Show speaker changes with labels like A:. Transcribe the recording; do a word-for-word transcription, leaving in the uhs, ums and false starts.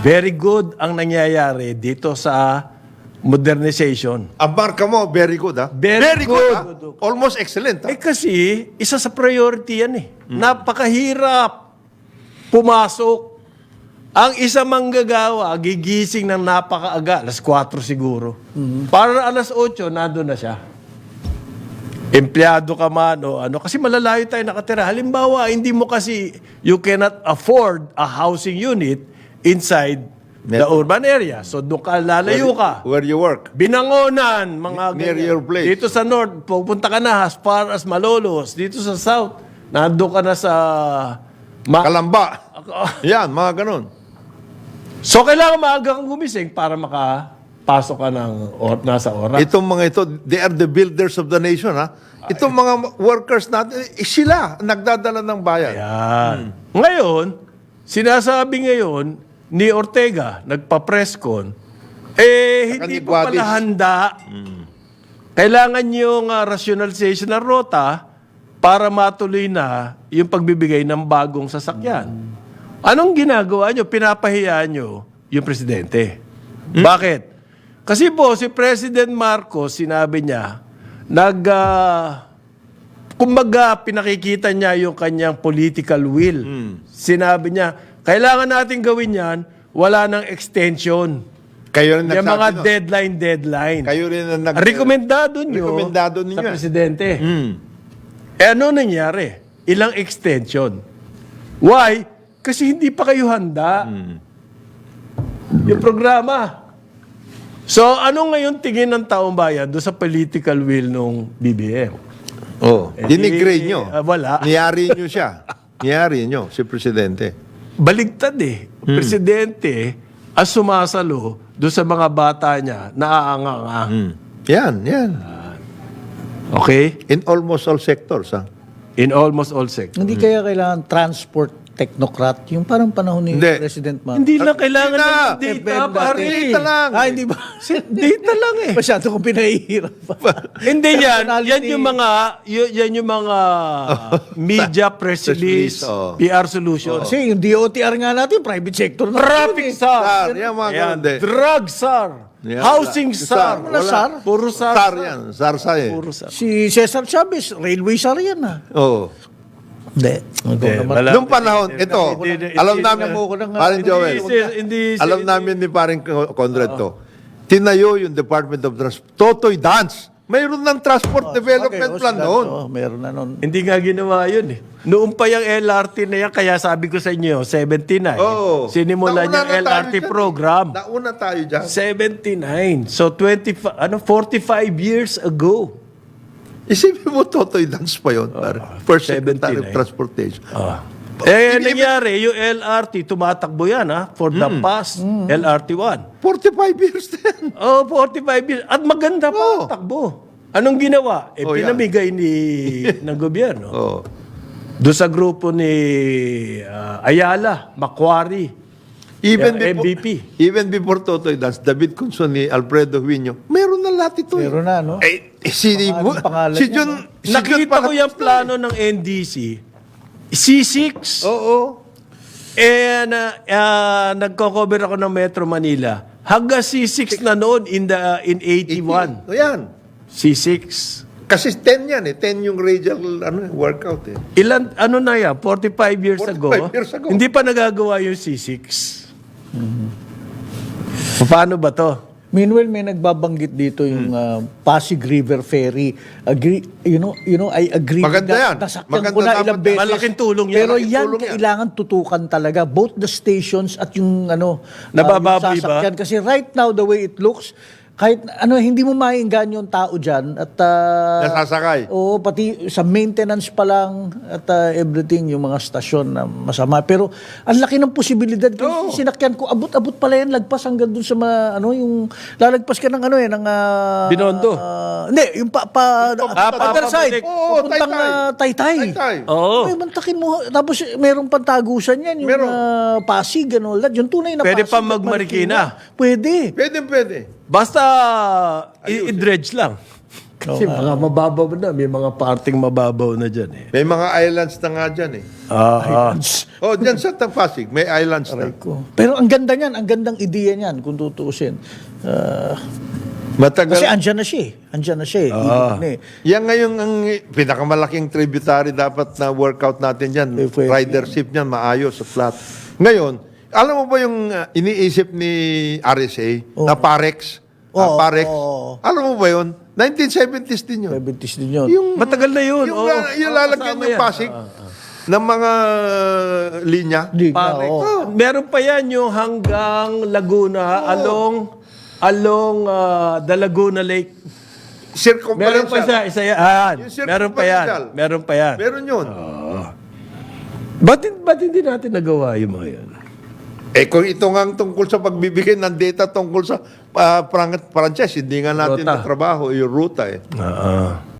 A: Very good ang nangyayari dito sa modernization.
B: Ang marka mo, very good, ha?
A: Very
B: good,
A: good.
B: ha? Almost excellent, ha?
A: Eh kasi, isa sa priority yan eh. Napakahirap pumasok. Ang isa manggagawa, gigising ng napakaaga, alas kwatro siguro. Para alas otso, nandun na siya. Empleyado ka man o ano. Kasi malalayo tayo nakatira. Halimbawa, hindi mo kasi, you cannot afford a housing unit inside the
B: Metro.
A: urban area. So, doon ka, lalayo ka.
B: Where you work.
A: Binangonan, mga
B: Near
A: ganyan.
B: your place.
A: Dito sa north, pupunta ka na as far as Malolos. Dito sa south, nandun ka na sa... Ma-
B: Kalamba. Yan, mga ganun.
A: so, kailangan maaga kang gumising para makapasok ka ng or- nasa oras.
B: Itong mga ito, they are the builders of the nation, ha? Itong mga workers natin, eh, sila ang nagdadala ng bayan.
A: Yan. Ngayon, sinasabi ngayon ni Ortega, nagpa-presscon, eh,
B: Saka
A: hindi
B: ni
A: pa pala
B: Guadis.
A: handa. Kailangan yung uh, rationalization ng rota para matuloy na yung pagbibigay ng bagong sasakyan. Anong ginagawa nyo? Pinapahiya nyo yung presidente. Bakit? Kasi po, si President Marcos, sinabi niya, nag... ah, kumbaga, pinakikita niya yung kanyang political will. Sinabi niya, kailangan natin gawin yan, wala ng extension.
B: Kayo rin
A: Yung
B: nagsabi
A: mga
B: nun.
A: deadline, deadline.
B: Kayo rin ang nag...
A: Rekomendado nyo
B: Rekomendado
A: sa
B: ninyo, eh.
A: presidente.
B: Hmm.
A: Eh ano nangyari? Ilang extension. Why? Kasi hindi pa kayo handa. Yung programa. So, ano ngayon tingin ng taong bayan doon sa political will nung B B M?
B: Oh,
A: Eh,
B: dinigrade
A: di-
B: nyo.
A: ah, wala.
B: Niyari nyo siya. Niyari nyo, si Presidente.
A: Baligtad eh. Presidente ang sumasalo doon sa mga bata niya na aanga-anga.
B: Hmm. Yan, yan.
A: Okay?
B: In almost all sectors, ha?
A: In almost all sectors.
C: Hindi kaya kailangan transport technocrat, yung parang panahon ni
B: Hindi.
C: President Marcos.
A: Hindi lang kailangan
B: Hindi na.
A: ng data,
C: F B M
A: pare.
C: dati.
B: Data lang.
C: Ah, hindi ba?
A: Data lang eh.
C: Masyado kong pinahihirap.
A: Hindi yan.
C: Personality.
A: Yan yung mga, y- yan yung mga media press
B: Press
A: release,
B: release, oh.
A: P R solutions.
C: Kasi yung D O T R nga natin, private sector na.
A: Traffic
B: Sar,
A: SAR.
B: yan mga
A: Ayan.
B: ganun din.
A: Drug SAR.
B: Yan,
A: Housing
B: wala.
A: SAR.
B: Wala.
C: Wala SAR.
A: Puro SAR.
B: Sar yan. Sarsa eh.
A: Puro SAR.
C: Si Cesar Chavez, railway sar yan ah.
B: Oo.
C: Hindi.
A: Hindi,
C: naman.
A: wala.
B: Noong panahon, ito,
A: Hindi, hindi,
B: alam
A: hindi,
B: namin,
C: hindi, hindi,
B: paring Joel,
A: Hindi, hindi,
B: alam
A: hindi.
B: namin ni paring Conrad to, tinayo yung Department of Transport, Totoy Dance. Mayroon ng Transport Development
C: Okay, oh,
B: Plan
C: sila-
B: noon.
C: oh, meron na noon.
A: Hindi nga ginawa yun eh. Noong pa yung L R T na yan, kaya sabi ko sa inyo, seventy-nine.
B: Oo.
A: Sinimula
B: Nauna
A: niya
B: na
A: L R T
B: tayo dyan.
A: program.
B: Nauna tayo dyan.
A: seventy-nine. So, twenty, ano, forty-five years ago.
B: Isipin mo, Totoy Dance pa yun. pare. First Secretary of
A: seventy-nine.
B: Transportation.
A: Ah. Eh, nangyari, yung L R T, tumatakbo yan, ha? For the past, L R T one.
B: forty-five years din.
A: Oh, forty-five years. At maganda pa ang
B: Oo.
A: takbo. Anong ginawa? Eh,
B: Oh, yan.
A: pinamigay ni, ng gobyerno.
B: Oh.
A: Doon sa grupo ni ah, Ayala, Macquarie,
B: Even
A: Yeah,
B: before,
A: M V P.
B: even before Totoy Dance, David Conson ni Alfredo Huino, meron na lahat ito. eh.
C: Meron na, no?
B: Eh, eh, si,
C: Pangalan- pangalan
B: si
C: niya,
B: John,
C: no?
B: si John
A: Nakita ko
B: pala-
A: yung plano ng N D C. C six.
B: Oo.
A: Eh, na, ah, nagko-cover ako ng Metro Manila. Hanggang C six na noon in, the, in eighty-one.
B: O yan.
A: C six.
B: Kasi ten yan eh. ten yung radial ano, workout eh.
A: Ilan, ano na yan? forty-five years ago?
B: forty-five years ago.
A: Hindi pa nagagawa yung C six. Paano ba to?
C: Meanwhile, may nagbabanggit dito yung uh, Pasig River Ferry. Agree, you know, you know, I agree.
B: Maganda
C: na-
B: yan.
C: Nasakyan
B: Maganda
C: ko na
B: dapat
C: ilang
B: yan.
C: beses.
A: Malaking tulong yan.
C: Pero
B: Malaking
C: yan,
B: tulong yan.
C: kailangan tutukan talaga. Both the stations at yung ano, uh,
A: Nabababoy
C: yung
A: ba?
C: sasakyan. Kasi right now, the way it looks, kahit ano, hindi mo mainggan yung tao dyan. At, uh,
B: Nasasakay.
C: Oo, pati sa maintenance pa lang at uh, everything, yung mga stasyon na masama. Pero ang laki ng posibilidad.
B: Oo.
C: Kasi sinakyan ko, abot-abot pala yan, lagpas hanggang dun sa mga, ano, yung, lalagpas ka ng ano eh, ng, uh,
A: Binondo.
C: uh, hindi, yung pa, pa,
A: Ah, pa-
C: other side.
A: pabalik.
B: Oo,
C: Pupuntang
B: Taytay.
C: uh, Taytay.
B: Taytay.
A: Oo.
C: Ay, mantakin mo. Tapos merong pantagusan yan, yung
B: Meron.
C: uh, Pasig and all that. Yung tunay na
A: Pwede
C: Pasig
A: pa
C: at
A: magmarikina.
C: Pwede.
B: Pwede, pwede.
A: Basta i- i-dredge lang. Kasi mga mababaw na. May mga parting mababaw na dyan eh.
B: May mga islands na nga dyan eh.
A: Ah, ah.
B: Oh, dyan sa Pasig, may islands na.
C: Ko. Pero ang ganda niyan, ang gandang ideya niyan kung tutuusin. Ah,
B: Matagal.
C: kasi andyan na siya eh. Andyan na siya eh. Ibig na eh.
B: Yan ngayon ang pinakamalaking tributary dapat na workout natin dyan.
C: Eh, pwede.
B: Ridership niyan, maayos, flat. Ngayon, alam mo ba yung uh, iniisip ni R S A na Parex? Ah,
C: Oo,
B: Parex?
C: oo.
B: Alam mo ba yun? nineteen seventies din yun.
C: Diabetes din yun.
B: Yung,
A: Matagal na yun.
B: yung,
A: oo.
B: la- yung
A: Oo,
B: lalagyan
A: kasama
B: yung
A: yan.
B: Pasig ng mga uh, linya.
C: Di nga,
A: Parex.
C: oo.
A: Meron pa yan yung hanggang Laguna, along along ah, the Laguna Lake. Meron pa
B: Circumferential.
A: isa, isa yan. Ah,
B: Yung
A: meron pa yan.
B: circumferential.
A: Meron pa yan.
B: Meron yun.
A: Ba't, ba't hindi natin nagawa yung mga yan?
B: Eh kung ito nga ang tungkol sa pagbibigay ng data tungkol sa uh, franchise, hindi nga natin
A: Ruta.
B: na trabaho, yung ruta eh.
A: Ah,